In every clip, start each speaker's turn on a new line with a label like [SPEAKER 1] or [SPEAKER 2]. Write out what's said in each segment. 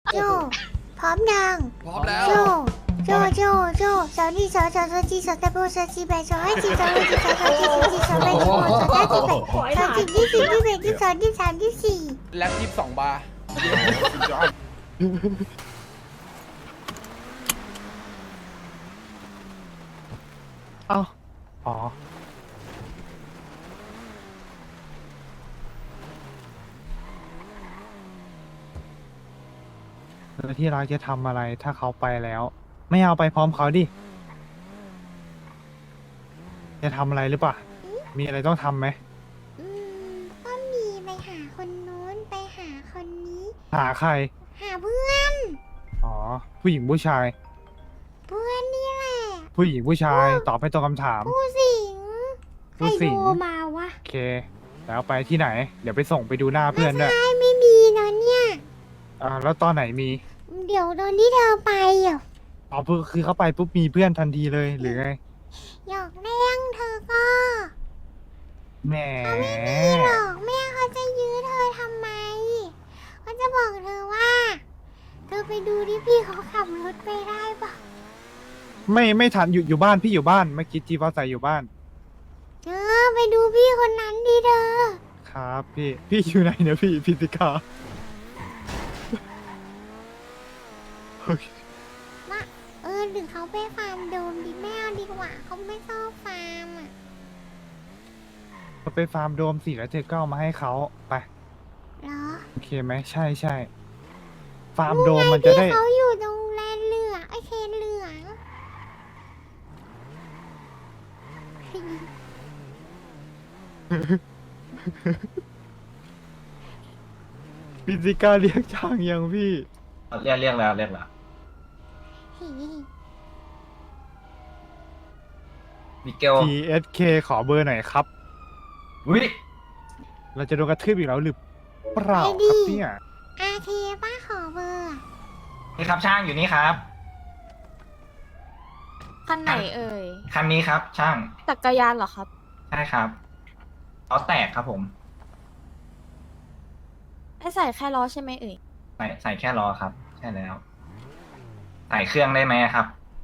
[SPEAKER 1] โจพร้อมยัง
[SPEAKER 2] พร้อมแล้ว
[SPEAKER 1] โจโจสาวนี่สาวจีสาวตะโบสาวจีแบสาวให้จีสาวให้จีสาวจีสาวแบสาวสาวจีแบสาวจีที่สี่ที่แบที่สองที่สามที่สี่
[SPEAKER 2] แล็บ22 บาร์
[SPEAKER 3] เอ้าอ๋อแล้วที่รักจะทำอะไรถ้าเขาไปแล้ว ไม่เอาไปพร้อมเขาดิ จะทำอะไรหรือเปล่า มีอะไรต้องทำไหม
[SPEAKER 1] ก็มีไปหาคนนู้นไปหาคนนี้
[SPEAKER 3] หาใคร
[SPEAKER 1] หาเพื่อน
[SPEAKER 3] อ๋อ ผู้หญิงผู้ชาย
[SPEAKER 1] เพื่อนนี่แหละ
[SPEAKER 3] ผู้หญิงผู้ชาย ตอบให้ตรงคำถาม
[SPEAKER 1] ผู้สิงใคร
[SPEAKER 3] ผู้สิง
[SPEAKER 1] โทรมาวะ
[SPEAKER 3] โอเค แล้วไปที่ไหน เดี๋ยวไปส่งไปดูหน้าเพื่อนด้วย
[SPEAKER 1] ไม่มีนะเนี่ย
[SPEAKER 3] แล้วตอนไหนมี
[SPEAKER 1] เดี๋ยวตอนที่เธอไปอ่ะ
[SPEAKER 3] อ๋อคือเขาไปปุ๊บมีเพื่อนทันทีเลยหรือไง
[SPEAKER 1] หยอกเล่นเธอก็
[SPEAKER 3] แหม
[SPEAKER 1] หรอกแม่เขาจะยื้อเธอทำไมเขาจะบอกเธอว่า เธอไปดูที่พี่เขาขับรถไปได้ปะ
[SPEAKER 3] ไม่ทันอยู่บ้านพี่อยู่บ้านเมื่อกี้จีฟ้าใสอยู่บ้าน
[SPEAKER 1] เธอไปดูพี่คนนั้นดิเธอ
[SPEAKER 3] ครับพี่อยู่ไหนเนี่ยพี่พิติกาโอเค
[SPEAKER 1] ว่าหรือเขาไปฟาร์มโดมดิแม่เอาดีกว่าเขาไม่ชอบฟาร์มอ่ะ
[SPEAKER 3] เราไปฟาร์มโดมสิแล้วเธอก็เอามาให้เขาไป
[SPEAKER 1] เหรอ
[SPEAKER 3] โอเคไหมใช่ฟาร์มโดมมันจะได้
[SPEAKER 1] พี่เขาอยู่ตรงแลนเหลืองไอเคนเหลือง
[SPEAKER 3] พิติกาเรียกช่างยังพี่
[SPEAKER 4] เรียกแล้วมิเกล
[SPEAKER 3] TSK ขอเบอร์หน่อยครับ
[SPEAKER 4] วิ
[SPEAKER 3] เราจะโดนกระทืบอีกแล้วหรือเปล่า
[SPEAKER 1] ไอ้
[SPEAKER 3] ค
[SPEAKER 1] ดิ
[SPEAKER 3] รับเนี่ย
[SPEAKER 1] อาเคป้าขอเบอร์อะ
[SPEAKER 4] นี่ครับช่างอยู่นี่ครับ
[SPEAKER 5] คันไหนเอ่ย
[SPEAKER 4] คันนี้ครับ ช่าง
[SPEAKER 5] จักรยานเหรอครับ
[SPEAKER 4] ใช่ครับล้อแตกครับผม
[SPEAKER 5] ให้ใส่แค่ล้อใช่ไหมเอ่ย
[SPEAKER 4] ใส่แค่ล้อครับ ใช่แล้ว ใส่เครื่องได้ไหมครับ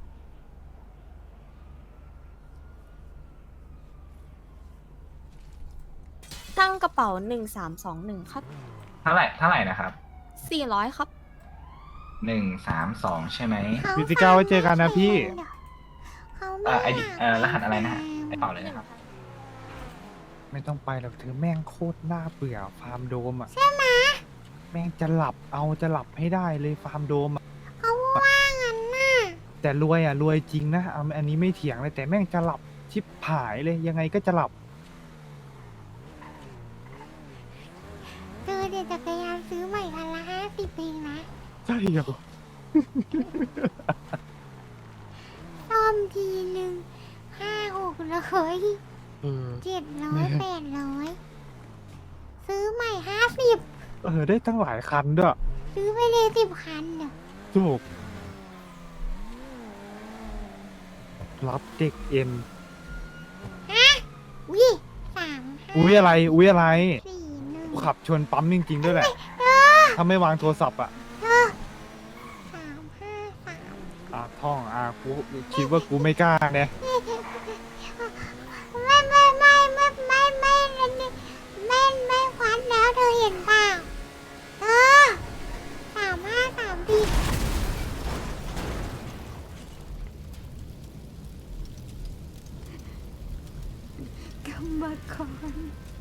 [SPEAKER 5] ตั้งกระเป๋า1321 ครับ
[SPEAKER 4] เท่าไหร่นะครับ
[SPEAKER 5] 400 ครับ
[SPEAKER 4] 132ใช่ไหม
[SPEAKER 1] เขา
[SPEAKER 3] พิติกาไว้เจอกันนะพี่
[SPEAKER 1] เขาไม่
[SPEAKER 4] ไอดี
[SPEAKER 1] ยาก
[SPEAKER 4] รหัสอะไรนะฮะไอเป่าเลยนะครับ
[SPEAKER 3] ไม่ต้องไปหรอกเธอแม่งโคตรน่าเบื่อฟาร์มโดมอ่ะใช่ไหมแม่งจะหลับให้ได้เลยฟาร์มโดมอะ
[SPEAKER 1] เขาว่างั้นน่ะ
[SPEAKER 3] แต่รวยจริงนะอันนี้ไม่เถียงเลยแต่แม่งจะหลับชิบหายเลยยังไงก็จะหลับ
[SPEAKER 1] เจอเด็กจักรยานซื้อใหม่คันละ50เองนะ
[SPEAKER 3] ใช่เหรอ
[SPEAKER 1] ซ่อมทีหนึ่ง500-600
[SPEAKER 3] เออ
[SPEAKER 1] 700-800ซื้อใหม่50
[SPEAKER 3] ได้ตั้งหลายคันด้วย
[SPEAKER 1] ซื้อไปเลย10 คันเนอะ
[SPEAKER 3] ถูกรับเด็กเอ็น
[SPEAKER 1] วิ3
[SPEAKER 3] อุ้ยอะไร
[SPEAKER 1] 5 4 1
[SPEAKER 3] กูขับชนปั๊มจริงๆด้วยแหละ ถ้าไม่วางโทรศัพท์อ่ะ
[SPEAKER 1] 3 5 3
[SPEAKER 3] ท่องกูคิดว่ากูไม่กล้าเนี่ย
[SPEAKER 1] ไม่ควันแล้วเธอเห็นเปล่า3 5 3ดีกรรมกร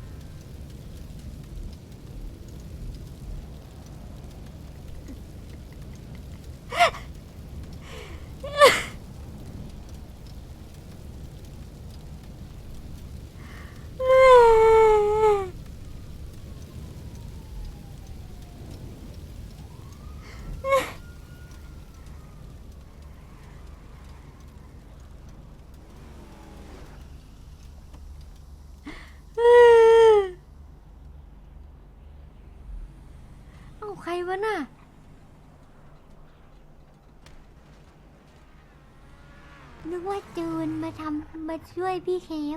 [SPEAKER 1] เอาใครวะน่ะ นึกว่าจูนมาช่วยพี่เคฟ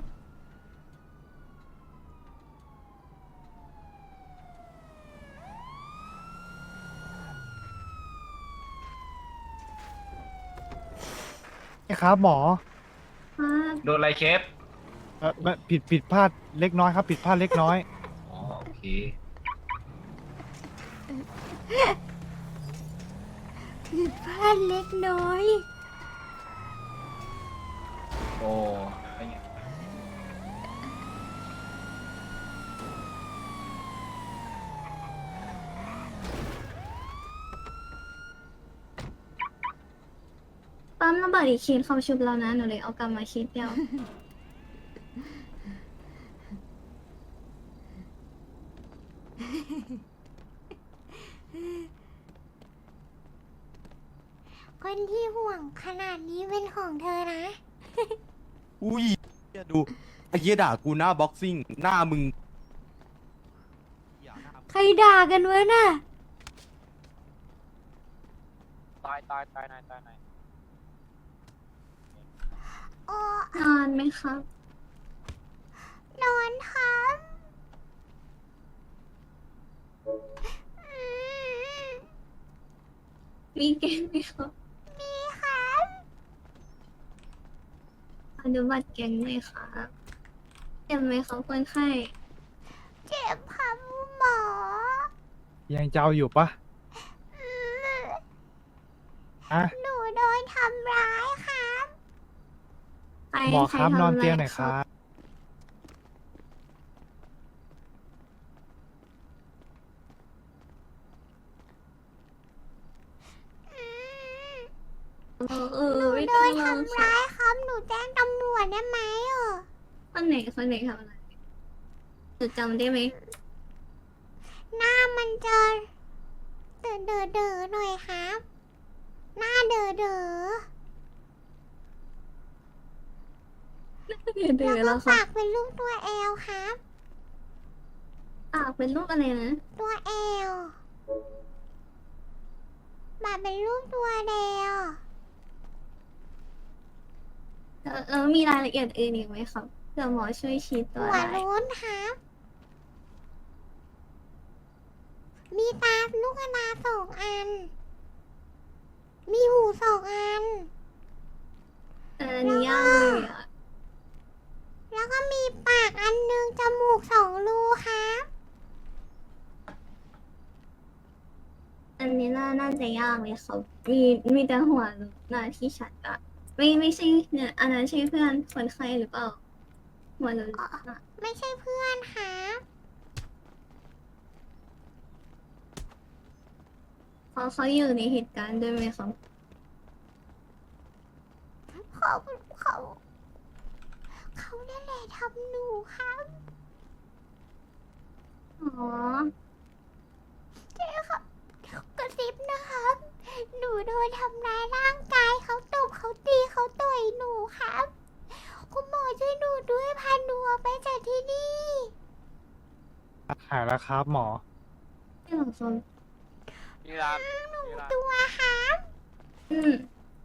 [SPEAKER 3] ครับหมอ
[SPEAKER 4] โดนอะไรเคส
[SPEAKER 3] ไม่ผิดพลาดเล็กน้อยครับ ผิดพลาดเล็กน้อย
[SPEAKER 4] อ๋อโอเค
[SPEAKER 1] ผิดพลาดเล็กน้อย
[SPEAKER 4] โอ้เป็นไง
[SPEAKER 2] ปั๊มระเบิดอีกคิดเขาชุบแล้วนะ หนูเลยเอากลับมาคิดเดียว
[SPEAKER 1] คนที่ห่วงขนาดนี้เป็นของเธอนะ
[SPEAKER 6] อุ้ยเหี้ยดูไอ้เหี้ยด่ากูหน้าบ็อกซิ่งหน้ามึง
[SPEAKER 1] ใครด่ากันวะน่ะ
[SPEAKER 3] ตายไหน
[SPEAKER 1] โอ้
[SPEAKER 2] นอนไหมครับ
[SPEAKER 1] นอนครับอืม
[SPEAKER 2] มีเกมไหมครับ
[SPEAKER 1] มีครับ
[SPEAKER 2] อนุบัตรแกงไหมครับเจ็บไหมครับคนไข้
[SPEAKER 1] เจ็บครับหมอ
[SPEAKER 3] ยังเจ้าอยู่ปะ
[SPEAKER 1] อืม
[SPEAKER 3] อะ
[SPEAKER 1] หนูโดนทำร้ายครับ
[SPEAKER 2] ใคร
[SPEAKER 3] หมอครับ
[SPEAKER 2] ใทำ
[SPEAKER 3] นอนเตียง
[SPEAKER 2] ะ
[SPEAKER 3] ห
[SPEAKER 2] ไร
[SPEAKER 3] น่อยครับ
[SPEAKER 2] เออ
[SPEAKER 1] หนู
[SPEAKER 2] ไม่
[SPEAKER 1] โด
[SPEAKER 2] ต้อง
[SPEAKER 1] น
[SPEAKER 2] ร้อง
[SPEAKER 1] ทำร้ายครับ หนูแจ้งตำรวจได้ไหมอ่ะ
[SPEAKER 2] คนไหนทำอะไรหนูจำได้ไหม
[SPEAKER 1] หน้ามันจะเด๋อหน่อยครับ หน้าเด๋อ
[SPEAKER 2] เดือ
[SPEAKER 1] แล้ว
[SPEAKER 2] แล้
[SPEAKER 1] ก็
[SPEAKER 2] วครั
[SPEAKER 1] ปา
[SPEAKER 2] บ
[SPEAKER 1] กเป็นรูปตัวแอลครับ
[SPEAKER 2] ปากเป็นรูปอะไรนะ
[SPEAKER 1] ตัวแอลปากเป็นรูปตัวแดว
[SPEAKER 2] แล้วมีรายละเอียดอื่นอีกไหมครับเผื่อหมอช่วยชี้ตัว
[SPEAKER 1] หัว
[SPEAKER 2] ได้
[SPEAKER 1] โล้นครับ มีตาลูกตา2 อัน มีหู2 อัน
[SPEAKER 2] อันนี้ยากเลยอ่ะ
[SPEAKER 1] แล้วก็มีปากอันหนึงจมูก2 รูครับ
[SPEAKER 2] อันนี้น่าจะยากเลยครับมีแต่หัวหน้าที่ชัดอะไม่ใช่เนี่ยอันนั้นใช่เพื่อนคนไข้หรือเปล่าหัวหนูอะ
[SPEAKER 1] ไม่ใช่เพื่อนครับ
[SPEAKER 2] เขาอยู่ในเหตุการณ์ด้วยไหมครับ
[SPEAKER 1] เขานั่นแหละทำหนูครับ
[SPEAKER 2] อ๋อ
[SPEAKER 1] เจ๊ครับกระซิบนะครับ หนูโดนทำร้ายร่างกายเขาตบเขาตีเขาต่อยหนูครับ คุณหมอช่วยหนูด้วยพาหนูออกไปจากที่นี่
[SPEAKER 3] หายแล้วครับหมอ
[SPEAKER 2] ไม่หรอกครับ
[SPEAKER 1] ตัวครับ
[SPEAKER 2] อืม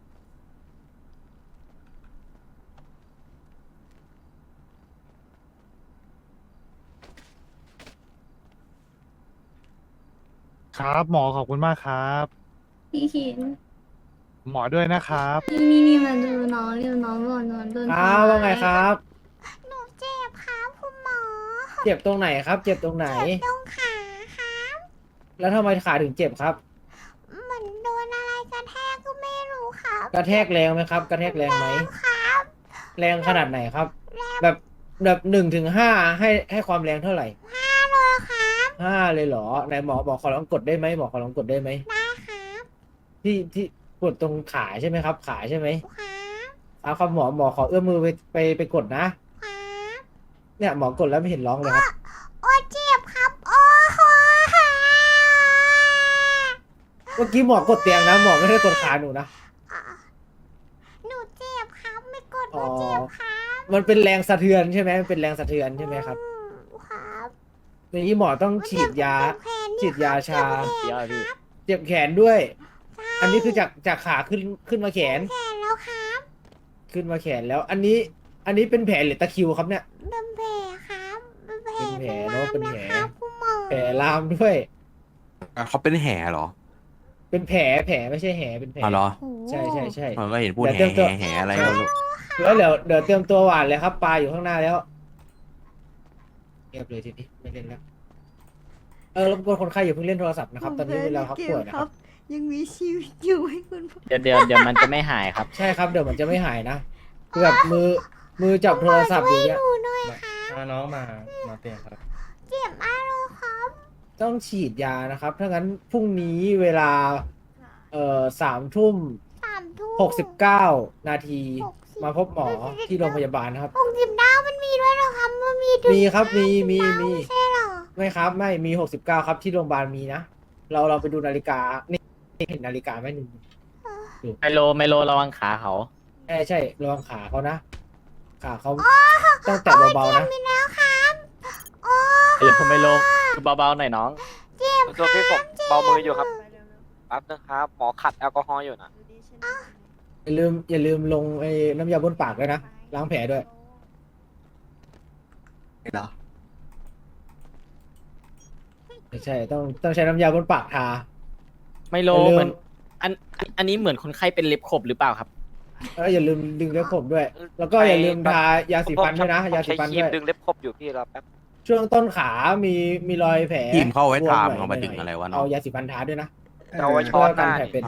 [SPEAKER 3] ครับหมอขอบคุณมากครับ
[SPEAKER 2] พี่เขียน
[SPEAKER 3] หมอด้วยนะครับ
[SPEAKER 2] นี่มาดูน้องบอกน้องโดน
[SPEAKER 7] ครับว่าไงครับ
[SPEAKER 1] หนูเจ็บครับคุณหมอ
[SPEAKER 7] เจ็บตรงไหนครับ เจ็บตรงไหน
[SPEAKER 1] เจ็บตรงขาครับ
[SPEAKER 7] แล้วทำไมขาถึงเจ็บครับ
[SPEAKER 1] เหมือนโดนอะไรกระแทกก็ไม่รู้ครับ
[SPEAKER 7] กระแทกแรงไหมครับ กระแทกแรงไหม
[SPEAKER 1] ครับ
[SPEAKER 7] แรงขนาดไหนครับ แบบ1 ถึง 5ให้ความแรงเท่าไหร่
[SPEAKER 1] 5 เลยครับ
[SPEAKER 7] 5เลยเหรอไหนหมอขอลองกดได้ไหมหมอขอลองกดได้ไหม
[SPEAKER 1] ได้ครับ
[SPEAKER 7] ที่กดตรงขาใช่ไหมครับ ขาใช่ไหม
[SPEAKER 1] ครับ
[SPEAKER 7] เอาครับหมอขอเอื้อมมือไปกดนะ
[SPEAKER 1] ครับ
[SPEAKER 7] เนี่ยหมอกดแล้วไม่เห็นร้องเลยครับ
[SPEAKER 1] โอ้เจ็บครับ โอ้โห
[SPEAKER 7] เมื่อกี้หมอกดเตียงนะหมอไม่ได้กดขาหนูนะ
[SPEAKER 1] อ่ะหนูเจ็บครับ ไม่กดห
[SPEAKER 7] อ๋
[SPEAKER 1] นู
[SPEAKER 7] อ
[SPEAKER 1] เจ็บครับ
[SPEAKER 7] มันเป็นแรงสะเทือนใช่ไหมมันเป็นแรงสะเทือนใช่ไหมครับ
[SPEAKER 1] ครับ
[SPEAKER 7] อย่างนี้หมอต้องฉีดยา
[SPEAKER 1] เจ็บแขน
[SPEAKER 7] ฉีดยาชา
[SPEAKER 1] เจ็บแขนครับ
[SPEAKER 7] เจ็บแขนด้วย
[SPEAKER 1] ใช่
[SPEAKER 7] อันนี้คือจากขาขึ้นมาแขน
[SPEAKER 1] แขนแล้วครับ
[SPEAKER 7] ขึ้นมาแขนแล้ว อันนี้เป็นแผลหรือตะคริวครับเนี่ย
[SPEAKER 1] เป็นแผลครับเป็นแผล
[SPEAKER 7] เป็นแผลเนอะเป็นแผล
[SPEAKER 1] ครับคุณหมอ
[SPEAKER 7] แผลลามด้วย
[SPEAKER 6] เขาเป็นแห่เหรอ
[SPEAKER 7] เป็นแผลไม่ใช่แหเป็นแผล
[SPEAKER 6] อ๋อเหรอ
[SPEAKER 1] โอ้โห
[SPEAKER 7] ใช่ใช่ใช่
[SPEAKER 6] ผมก็เห็นพูด
[SPEAKER 7] เดี๋ยวเตรียมตัว
[SPEAKER 6] แห่อะไรก็ไม่รู้
[SPEAKER 7] แล้วเดี๋ยวเตรียมตัวหวานเลยครับปลาอยู่ข้างหน้าแล้วเงียบเลยทีนี้ไม่เล่นแล้วรบกวนคนไข้อย่าเพิ่งเล่นโทรศัพท์นะครับ ตอนนี้เวลาพักป่วยนะครับ
[SPEAKER 1] ยังมีชีวิตอยู่ให้คุณพ่อ
[SPEAKER 8] เดี๋ยวมันจะไม่หายครับ
[SPEAKER 7] ใช่ครับเดี๋ยวมันจะไม่หายนะคือแบบมือจับโทรศัพท์อย่างเงี้ย
[SPEAKER 1] หนูหน่อยค่ะ
[SPEAKER 8] น้องมาเปลี่ยนครับ
[SPEAKER 1] เจ็บมากเลยครับ
[SPEAKER 7] ต้องฉีดยานะครับถ้างั้นพรุ่งนี้เวลา3 ทุ่ม 69 นาที มาพบหมอที่โรงพยาบาลนะครับ
[SPEAKER 1] 69มันมีด้วยเหรอครับมันมีถึง
[SPEAKER 7] มีครับมี
[SPEAKER 1] ไม่ใช่เหรอ
[SPEAKER 7] ไม่ครับไม่มี 69 ครับที่โรงพยาบาลมีนะเราไปดูนาฬิกานี่เห็นนาฬิกาไหมหนึ่ง
[SPEAKER 8] ไมโลระวังขาเขา
[SPEAKER 7] ใช่ระวังขาเขานะขาเขาต้องแตะเบาๆนะ
[SPEAKER 1] มีแล้วครับโอ้
[SPEAKER 8] ไมโลคือเบาๆหน่อยน้อง
[SPEAKER 1] เจ็บ
[SPEAKER 9] ตัวพี่ผมเบามืออยู่ครับแป๊บนึงครับ หมอขัดแอลกอฮอล์อยู่นะ
[SPEAKER 7] อย่าลืมลงไอ้น้ำยาบนปากด้วยนะล้างแผลด้วย
[SPEAKER 6] เหรอ
[SPEAKER 7] ไม่ใช่ต้องใช้น้ำยาบนปากทา
[SPEAKER 8] ไมโล
[SPEAKER 7] อย่าลืม
[SPEAKER 8] เหมือนอันนี้เหมือนคนไข้เป็นเล็บขบหรือเปล่าครับ
[SPEAKER 7] อย่าลืมดึงเล็บผมด้วย แล้วก็อย่าลืมทายาสีฟันด้วยนะ
[SPEAKER 9] ผม
[SPEAKER 7] ยาสี
[SPEAKER 9] ใช้
[SPEAKER 7] ฟัน
[SPEAKER 9] ครี
[SPEAKER 7] ด้
[SPEAKER 9] ม
[SPEAKER 7] วย
[SPEAKER 9] ดึงเล็บครบอยู่พี่รอแป๊บ
[SPEAKER 7] ช่วงต้นขามีรอยแผล
[SPEAKER 6] ทีมเข้าไว้
[SPEAKER 7] บว
[SPEAKER 6] ทาม
[SPEAKER 7] หน่ย
[SPEAKER 6] เอามาถึงอะไรวะน้อ
[SPEAKER 7] เอา
[SPEAKER 6] ง
[SPEAKER 7] ยาสีฟันทาด้วยนะ
[SPEAKER 9] จะเอาไว้ช้อนหน้า
[SPEAKER 7] เพื่กัแผลเป็น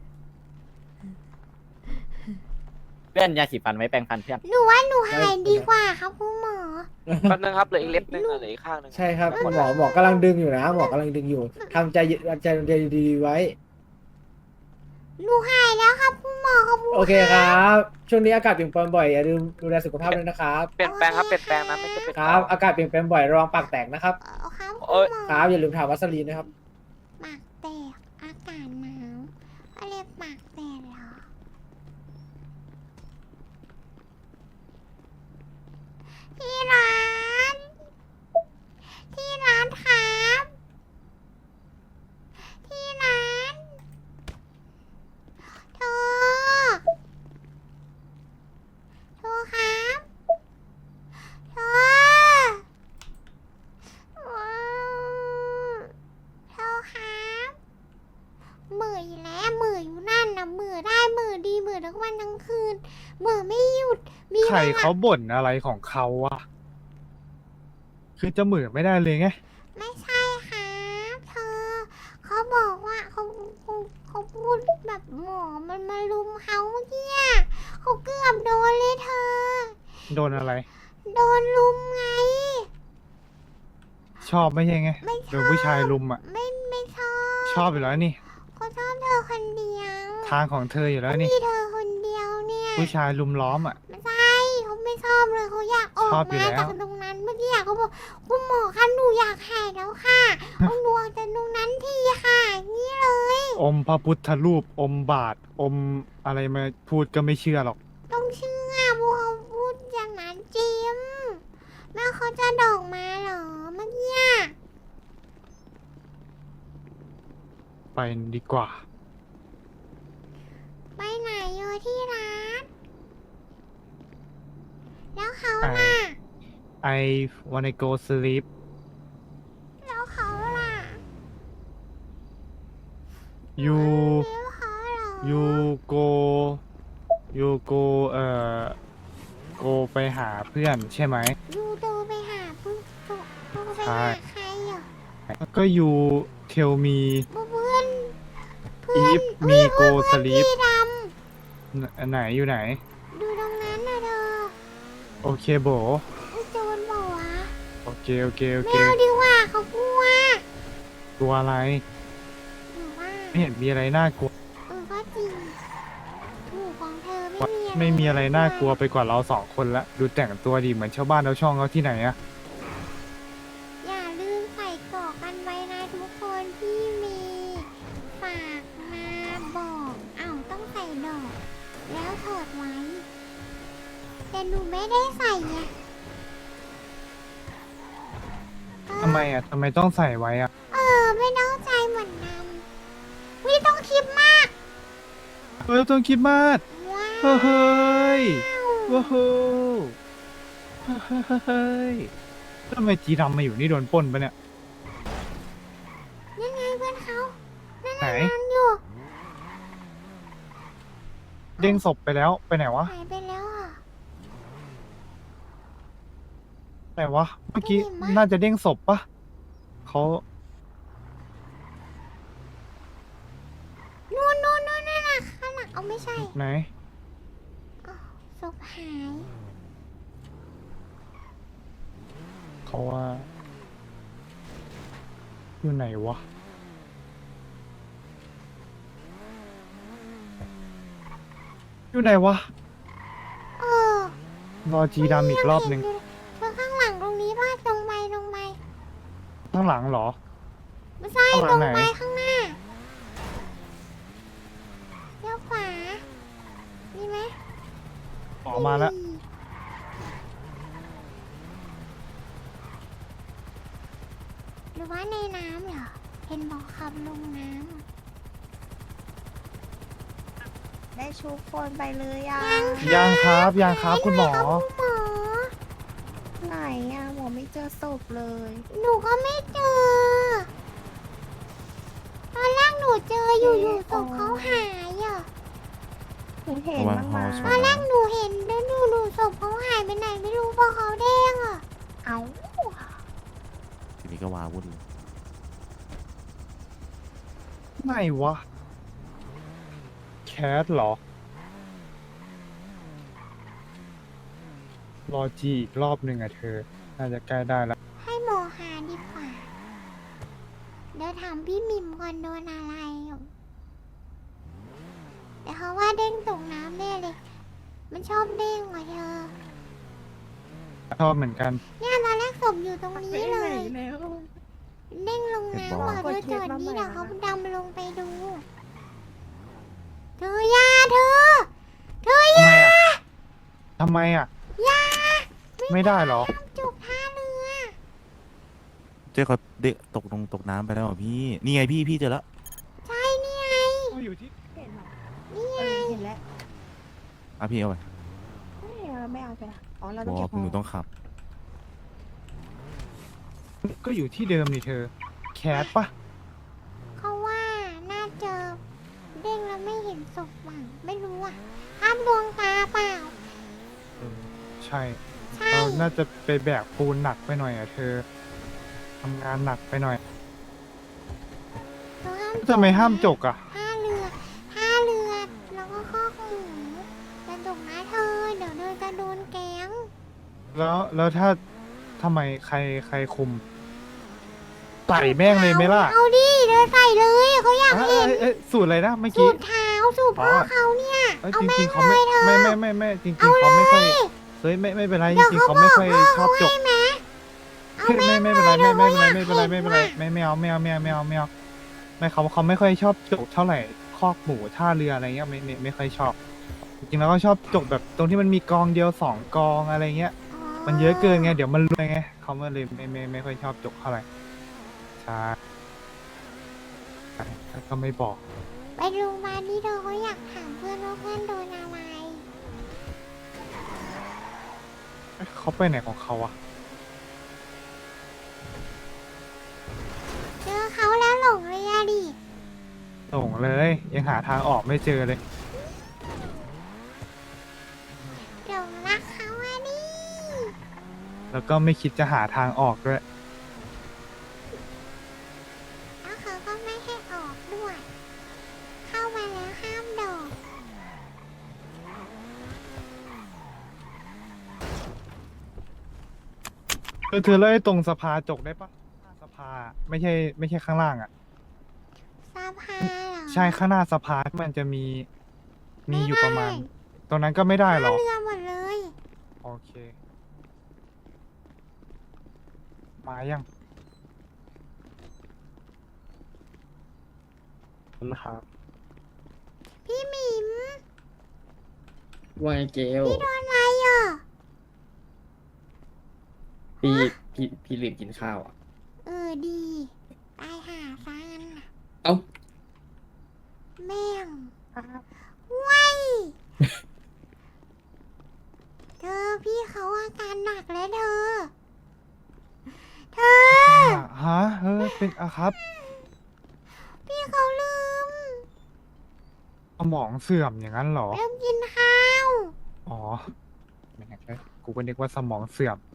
[SPEAKER 8] เพื่อนยาสีฟันไว้แปรงฟันเพื่อน
[SPEAKER 1] หนูว่าหนูหายดีกว่าครับคุณหมอ
[SPEAKER 9] แป๊บนึงครับเหลืออีกเล็บนึงเหลืออีกข้างนึง
[SPEAKER 7] ใช่ครับหมอกำลังดึงอยู่นะหมอกำลังดึงอยู่ทำใจดีๆไว้
[SPEAKER 1] หนูหายแล้วครับคุณหมอขอบคุณ
[SPEAKER 7] โอเคครับ ช่วงนี้อากาศเปลี่ยนแปลงบ่อยอย่าลืมดูแลสุขภาพด้วยนะครับ
[SPEAKER 9] เปลี่ยนแปลงครับเปลี่ยนแปลงนะไม่ใช่เป็น
[SPEAKER 7] ครับ อากาศเปลี่ยนแปลงบ่อยระวังปากแตกนะครับ
[SPEAKER 1] ครับ
[SPEAKER 9] เอ้ย
[SPEAKER 1] คุณหมอ
[SPEAKER 7] ครับอย่าลืมทาวัสลีนนะครับ
[SPEAKER 1] ปากแตกอากาศหนาวอะไรปากแตกเหรอที่ร้านครับที่ร้านโทรครับโทรโทรครับเหมื่ออยู่แล้วเหมื่ออยู่นั่นนะเหมื่อได้เหมื่อดีเหมื่อทั้งวันทั้งคืนเหมื่อไม่หยุดมี
[SPEAKER 3] ใคร
[SPEAKER 1] วล
[SPEAKER 3] เขาบ่นอะไรของเขาอะคือจะเหมือไม่ได้เลยไง
[SPEAKER 1] ไม่ใช่ครับเธอเขาบอกว่าเขาพูดแบบหมอมันมาลุมเขาเมื่อกี้อะเขาเกือบโดนเลยเธอ
[SPEAKER 3] โดนอะไร
[SPEAKER 1] โดนลุมไง
[SPEAKER 3] ชอบไม่ใช่ไง
[SPEAKER 1] ไม่ช
[SPEAKER 3] โด
[SPEAKER 1] อน บ
[SPEAKER 3] ผู้ชายลุมอะ
[SPEAKER 1] ไม่ชอบ
[SPEAKER 3] ชอบอยู่แล้วนี่
[SPEAKER 1] เขาชอบเธอคนเดียว
[SPEAKER 3] ทางของเธออยู่แล้วนี่
[SPEAKER 1] มีเธอคนเดียวเนี่ย
[SPEAKER 3] ผู้ชายลุมล้อมอะ
[SPEAKER 1] ไม่ใช่เขาไม่ชอบเลยเขาอยากออก
[SPEAKER 3] ชอบอยู่
[SPEAKER 1] มา
[SPEAKER 3] แล้ว
[SPEAKER 1] จากตรงนั้นเมื่อกี้อะเขาบอกคุณหมอคะหนูอยากหายแล้วค่ะเอาหนูออกจากตรงนั้นทีค่ะอย่างนี้เลย
[SPEAKER 3] อมพระพุทธรูป อมบาท อมอะไรมาพูดก็ไม่เชื่อหรอก
[SPEAKER 1] ต้องเชื่อพวกเขาพูดอย่างนั้นจริงแม่เขาจะดอกมาเหรอเมื่อกี้อะ
[SPEAKER 3] ไปดีกว่า
[SPEAKER 1] ไปไหนอยู่ที่ร้าน แล้วเขา
[SPEAKER 3] ไป
[SPEAKER 1] ล่ะ
[SPEAKER 3] I wanna go sleep
[SPEAKER 1] แล้วเขาล่ะ
[SPEAKER 3] you
[SPEAKER 1] แล้วเขาเหรอ
[SPEAKER 3] you go go ไปหาเพื่อนใช่ไหม
[SPEAKER 1] ยูโตไปหาปุ๊บปุ๊บไป
[SPEAKER 3] ใช่
[SPEAKER 1] หาใครอ่ะ
[SPEAKER 3] ก็ you tell me
[SPEAKER 1] เพื่อน
[SPEAKER 3] if me go
[SPEAKER 1] เพื่อน
[SPEAKER 3] sleep
[SPEAKER 1] พี่ด
[SPEAKER 3] ไหนอยู่ไหน
[SPEAKER 1] ำดูตรงนั้นนะเธอ
[SPEAKER 3] โอเคโบ
[SPEAKER 1] ไอ้โจรบอกวะ
[SPEAKER 3] โอเค โอเค โอ
[SPEAKER 1] ไม่
[SPEAKER 3] เค
[SPEAKER 1] เอาดีกว่าเขากลัว
[SPEAKER 3] ตัวอะไร
[SPEAKER 1] หนูว่า
[SPEAKER 3] ไม่เห็นมีอะไรน่ากลัว
[SPEAKER 1] ก็จริงถูกของเธอ
[SPEAKER 3] ไม่มีอะไรน่ากลัวไปกว่าเรา2 คนละ ดูแต่งตัวดีเหมือนชาวบ้านชาวช่องเขาที่ไหนอะ
[SPEAKER 1] อย่าลืมใส่เกราะกันไว้นะทุกคนที่มีฝากมาบอกอ้าวต้องใส่ดอก แล้วถอดไว้ แต่หนูไม่ได้ใส่ไง
[SPEAKER 3] ทำไมอะทำไมต้องใส่ไว้อะ
[SPEAKER 1] ไม่ต้องใจเหมือนกันไม่ต้องคิดมาก
[SPEAKER 3] เฮ้ยต้องคิดมาก
[SPEAKER 1] ว้าว
[SPEAKER 3] เฮ้ยว้าวเฮ้ยทำไมจีดำมาอยู่นี่โดนปล้นปะเนี่ย
[SPEAKER 1] ยังไงเพื่อนเขานั่น
[SPEAKER 3] ไหน
[SPEAKER 1] นั่นอยู่
[SPEAKER 3] เด้งศพไปแล้วไปไหนวะ
[SPEAKER 1] หายไปแล้วอ่ะ
[SPEAKER 3] ไหนวะเมื่อกี้
[SPEAKER 1] ไม่เห็นมั้ย
[SPEAKER 3] น่าจะเด้งศพปะเขา
[SPEAKER 1] นู่นนู่นนู่นนั่นน่ะข้างหลังเอาไม่ใช่
[SPEAKER 3] ไหน
[SPEAKER 1] อ้าวศพหาย
[SPEAKER 3] เขาว่า อยู่ไหนวะ อยู่ไหนวะ
[SPEAKER 1] เออ
[SPEAKER 3] รอจีดำอีกรอบหนึ่ง
[SPEAKER 1] เธอข้างหลังตรงนี้ป่ะตรงไปตรงไป
[SPEAKER 3] ข้างหลังเหรอ
[SPEAKER 1] ไม่ใช่
[SPEAKER 3] ข้างหลั
[SPEAKER 1] ตรง ง
[SPEAKER 3] ไหน
[SPEAKER 1] ไปข้างหน้าเลี้ยวขวามีไหม
[SPEAKER 3] ออกมาแล้ว
[SPEAKER 1] หรือว่าในน้ำเหรอ เห็นบอกขับลงน้ำ
[SPEAKER 10] ได้ชุบคนไปเลยอ่ะ
[SPEAKER 3] ยังครับยังครับคุณหมอ
[SPEAKER 1] หมอ
[SPEAKER 10] ไหนอ่ะหมอไม่เจอศพเลย
[SPEAKER 1] หนูก็ไม่เจอ ตอนแรกหนูเจออยู่ๆศพเขาหายอ่ะ
[SPEAKER 10] หนูเห็นบ้างมา
[SPEAKER 1] ตอนแรกหนูเห็นแล้วหนูศพเขาหายไปไหนไม่รู้เพราะเขาเด้งอ่ะ
[SPEAKER 10] เอา
[SPEAKER 6] ทีนี้ก็วาวุ่นเลย
[SPEAKER 3] ไหนวะ แคทเหรอ รอจีอีกรอบหนึ่งอะเธอ น่าจะใกล้ได้แล้ว
[SPEAKER 1] ให้หมอหาดีกว่า เดี๋ยวถามพี่มิมก่อนโดนอะไรอ่ะแต่เขาว่าเด้งตกน้ำแน่เลย มันชอบเด้งว่ะเธอ
[SPEAKER 3] ชอบเหมือนกัน
[SPEAKER 1] เนี่ยตอนแรกศพอยู่ตรงนี้เลย
[SPEAKER 10] แล้ว
[SPEAKER 1] เด้งลงน้ำว่ะเธอจอดนี่เดี๋ยวเขาดำลงไปดู เธอยาเธอ เธอ
[SPEAKER 3] ทำ
[SPEAKER 1] ยา
[SPEAKER 3] ไมอะทำไมอะ
[SPEAKER 1] ยา
[SPEAKER 3] ไม่ได้เหรอ
[SPEAKER 1] จุกท่าเรือ
[SPEAKER 6] เจ๊เขาเด็กตกน้ำไปแล้วเหรอพี่ นี่ไงพี่เจอแล้ว
[SPEAKER 1] ใช่นี่ไง
[SPEAKER 3] อยู่ที่
[SPEAKER 10] เห็นเหรอ
[SPEAKER 1] นี่ไง
[SPEAKER 10] เห็นแล้ว
[SPEAKER 6] อ่ะพี่เอาไป
[SPEAKER 10] ไม่เอาไปละอ๋อเรา
[SPEAKER 6] บ
[SPEAKER 10] ต้อง
[SPEAKER 6] อ
[SPEAKER 10] เก็
[SPEAKER 6] ก
[SPEAKER 10] บ
[SPEAKER 6] หนูต้องขับ
[SPEAKER 3] ก็อยู่ที่เดิมนี่เธอ แคทปะ
[SPEAKER 1] เขาว่าน่าเจอเด้งแล้วไม่เห็นศพหวังไม่รู้อ่ะภาพดวงตาเปล่า
[SPEAKER 3] ใช่
[SPEAKER 1] ใช่
[SPEAKER 3] เราน่าจะไปแบกปูนหนักไปหน่อยอะเธอ ทำงานหนักไปหน่อย
[SPEAKER 1] เธอห้าม
[SPEAKER 3] ทำไมห้ามจกอะ
[SPEAKER 1] ท่าเรือแล้วก็คอกหมูจะจกนะเธอ เดี๋ยวเธอจะโดนแก๊ง
[SPEAKER 3] แล้วถ้าทำไมใครคุมใส่แม่งเลยไหมล่ะ
[SPEAKER 1] เอาดิเดินใส่เลยเขาอยาก
[SPEAKER 3] เอ้
[SPEAKER 1] เห็
[SPEAKER 3] ย
[SPEAKER 1] น
[SPEAKER 3] เอ้ยสูตรอะไรนะเมื่อ
[SPEAKER 1] สู
[SPEAKER 3] กี้
[SPEAKER 1] ตรเท้าสูตรพ่อเขาเนี่ย
[SPEAKER 3] เอ้ย
[SPEAKER 1] เอา
[SPEAKER 3] จ
[SPEAKER 1] แม่
[SPEAKER 3] ริ
[SPEAKER 1] ง
[SPEAKER 3] งๆเขา
[SPEAKER 1] เล
[SPEAKER 3] ไม่
[SPEAKER 1] ยเธอ
[SPEAKER 3] ไม่จริงๆเขาไม่ค่อยเฮ้ยไม่เป็นไรจ
[SPEAKER 1] เดี๋ยว
[SPEAKER 3] ริงๆ
[SPEAKER 1] เขา
[SPEAKER 3] เขา
[SPEAKER 1] บ
[SPEAKER 3] ไม่
[SPEAKER 1] อก
[SPEAKER 3] ค่อย
[SPEAKER 1] พ่อ
[SPEAKER 3] ชอบจ
[SPEAKER 1] เขา
[SPEAKER 3] ก
[SPEAKER 1] ใช่ไหมเอา
[SPEAKER 3] ไม่
[SPEAKER 1] แม่ง
[SPEAKER 3] ไม่เป็นไร
[SPEAKER 1] เลย
[SPEAKER 3] ไม่เป็นไร
[SPEAKER 1] เดี๋
[SPEAKER 3] ไม่
[SPEAKER 1] ยว
[SPEAKER 3] เป็นไร
[SPEAKER 1] เขา
[SPEAKER 3] ไม่เป็นไร
[SPEAKER 1] อยากเห็นว่ะ
[SPEAKER 3] ไม่เอาไม่เขาไม่ค่อยชอบจกเท่าไหร่คอกหมูท่าเรืออะไรเงี้ยไม่ค่อยชอบ จริงๆแล้วก็ชอบจกแบบตรงที่มันมีกองเดียว2 กองอะไรเงี้ย มันเยอะเกินไงเดี๋ยวมันรวยไงเขาก็เลยไม่ค่อยชอบจกเท่าไหร่ใช่แล้วก็ไม่บอก
[SPEAKER 1] ไปโรงพยาบาลนี่เธอเขาอยากถามเพื่อนว่าเพื่อนโดนอะไร
[SPEAKER 3] เขาไปไหนของเขาอะ
[SPEAKER 1] เจอเขาแล้วหลงเลยอะดิ
[SPEAKER 3] หลงเลย ยังหาทางออกไม่เจอเลย
[SPEAKER 1] หลงรักเขาอะดิ
[SPEAKER 3] แล้วก็ไม่คิดจะหาทางออกด้วย
[SPEAKER 1] แล้วเขาก็ไม่ให้ออกด้วย เข้ามาแล้วห้ามโดด
[SPEAKER 3] เธอเล่าให้ตรงสภาจกได้ปะหน้าสภาไม่ใช่ข้างล่างอ่ะ
[SPEAKER 1] สะพานเหรอ
[SPEAKER 3] ใช่ข้างหน้าสภามันจะมีอยู่ประมาณ
[SPEAKER 1] ไไ
[SPEAKER 3] ตรงนั้นก็ไม่ได้หร
[SPEAKER 1] ท่า
[SPEAKER 3] อ
[SPEAKER 1] เรือหมดเลย
[SPEAKER 3] โอเค มายังนะครับ
[SPEAKER 1] พี่หมิม
[SPEAKER 8] ว่าไงเกล
[SPEAKER 1] พี่โดนอะไรอ่ะ
[SPEAKER 8] พี่ลืมกินข้าวอ่ะ
[SPEAKER 1] เออดีตายหาซะงั้นน่ะ
[SPEAKER 8] เอ้า
[SPEAKER 1] แม่งว้ายเธอพี่เขาอาการหนักแล้วเธอ เธอ
[SPEAKER 3] ฮะเป็นอะครับ
[SPEAKER 1] พี่เขาลืม
[SPEAKER 3] เขามองเสื่อมอย่างนั้นเหรอ
[SPEAKER 1] เริ่มกินข้าว
[SPEAKER 3] อ๋อแหม่กูก็นึกว่าสมองเสื่อม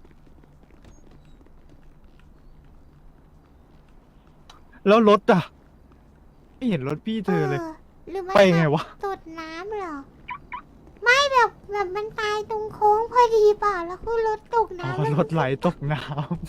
[SPEAKER 3] แล้วรถอ่ะ ไม่เห็นรถพี่เธอเลย
[SPEAKER 1] หรือมัน
[SPEAKER 3] ไปไงวะ
[SPEAKER 1] ตดน้ำเหรอ ไม่แบบมันตายตรงโค้งพอดีเปล่าแล้วคือรถตก
[SPEAKER 3] อ๋อ
[SPEAKER 1] น้ำแล้ว
[SPEAKER 3] รถไหลตกน้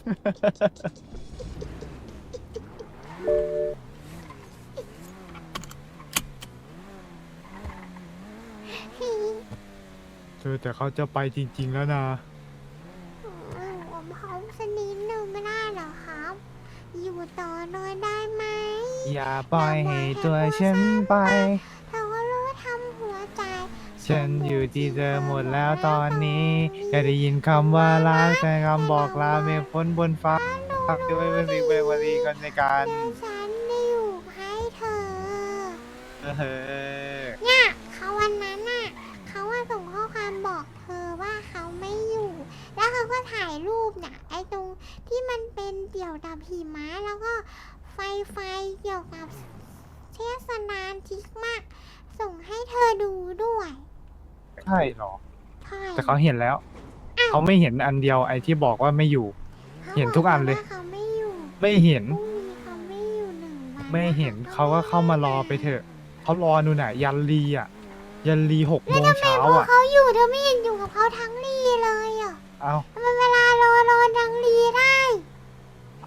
[SPEAKER 3] ำเธอแต่เขาจะไปจริง ๆ แล้วนะ
[SPEAKER 1] ผมพร้อมสกนิดนึงไม่ได้เหรอครับ อยู่ต่อหน่อยได้ไหม
[SPEAKER 3] อย่าปล่อยให้ตัวฉันไป
[SPEAKER 1] เธอก็รู้ทำหัวใจ
[SPEAKER 3] ฉันอยู่ที่เธอหมดแล้วตอนนี้แค่ได้ยินคำว่ารักแต่คำบอกลาเมฆฝนบนฟ้าพักด้วยเป็นสิ่งเป็นวันดีกันในการ
[SPEAKER 1] เดี๋ยวฉันได้อยู่ให้เธอ
[SPEAKER 3] เออ
[SPEAKER 1] เนี่ยเขาวันนั้นน่ะเขาว่าส่งข้อความบอกเธอว่าเขาไม่อยู่ แล้วเขาก็ถ่ายรูปน่ะไอ้ตรงที่มันเป็นเกี่ยวกับหิมะแล้วก็ไฟเกี่ยวกับเทศนานทิกมาก ส่งให้เธอดูด้วย
[SPEAKER 3] ใช่เหรอ
[SPEAKER 1] ใช่
[SPEAKER 3] แต่เขาเห็นแล้ว เขาไม่เห็นอันเดียวไอ้ที่บอกว่าไม่อยู่ เห็นทุกอันเลย
[SPEAKER 1] ขาบว่าเขาไม่อยู่
[SPEAKER 3] ไม่เห็น
[SPEAKER 1] พรุ่งนี้เขาไม่อยู่1 วัน
[SPEAKER 3] ไม่เห็นเขาก็เข้ามารอไปเถอะ เขารอนู่นน่ะ ยันรีอ่ะ ยันรี6 โมงเช้า
[SPEAKER 1] พอ
[SPEAKER 3] อ่ะ
[SPEAKER 1] เขาอยู่เธอไม่เห็นอยู่กับเขาทั้งรีเลยอ่ะ
[SPEAKER 3] เอา
[SPEAKER 1] ทำไมเวลารอทั้งรีได้
[SPEAKER 3] เอา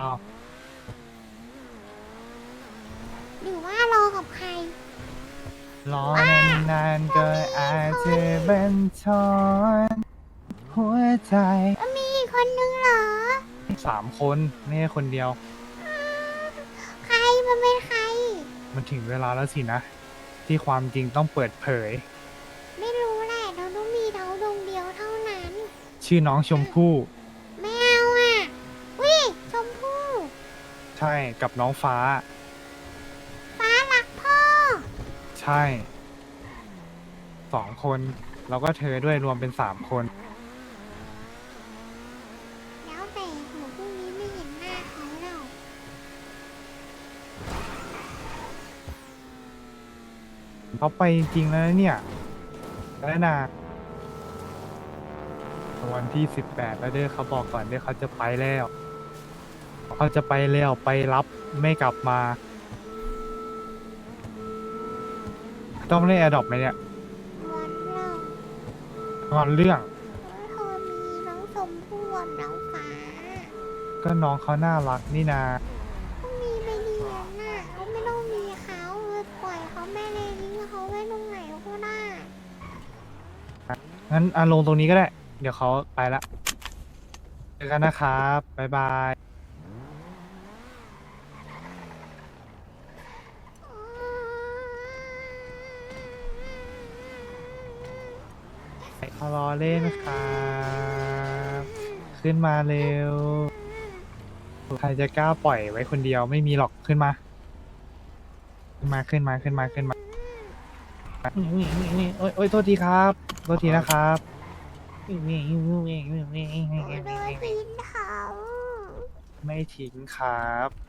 [SPEAKER 1] หรือว่ารอกับใคร
[SPEAKER 3] รอนานๆก็อาจจะบันทอนหัวใจ
[SPEAKER 1] มีอีกคนนึงเหรอ
[SPEAKER 3] 3 คนไม่ใช่คนเดียว
[SPEAKER 1] ใครมันเป็นใคร
[SPEAKER 3] มันถึงเวลาแล้วสินะ ที่ความจริงต้องเปิดเผย
[SPEAKER 1] ไม่รู้แหละเราต้องมีเราดวงเดียวเท่านั้น
[SPEAKER 3] ชื่อน้องชมพู่
[SPEAKER 1] ไม่เอาอ่ะวิชมพู่
[SPEAKER 3] ใช่กับน้องฟ้า
[SPEAKER 1] ฟ้ารักพ่อ
[SPEAKER 3] ใช่ 2 คน แล้วก็เธอด้วยรวมเป็น 3 คน
[SPEAKER 1] แล้วแต่หัวพรุ่งนี้ไม่เห็นหน้าเขาแล้ว
[SPEAKER 3] เขาไปจริงๆแล้วนะเนี่ยแล้วนะวันที่ 18 แล้วเด้อเขาบอกก่อนเด้อเขาจะไปแล้ว เขาจะไปแล้วไปรับไม่กลับมา ต้องเล่นแอร์ดรอปไหมเนี่ย
[SPEAKER 1] วันเรา
[SPEAKER 3] งอนเรื่อง
[SPEAKER 1] เธอมีน้องชมพู่กับน้องฟ้า
[SPEAKER 3] ก็น้องเขาน่ารักนี่นา
[SPEAKER 1] ต้องมีไปเรียนน่ะเขาไม่ต้องมีเขาปล่อยเขาแม่เลยทิ้งเขาไว้ตรงไหนก็ได้
[SPEAKER 3] งั้นลงตรงนี้ก็ได้ เดี๋ยวเขาไปละเจอกันนะครับ บ๊ายบายเขารอเล่นครับ ขึ้นมาเร็ว ใครจะกล้าปล่อยไว้คนเดียวไม่มีหรอกขึ้นมา ขึ้นมาโอ้ยโทษทีครับโทษทีนะครับ
[SPEAKER 1] โดนทิ้งเขา
[SPEAKER 3] ไม่ทิ้งครับ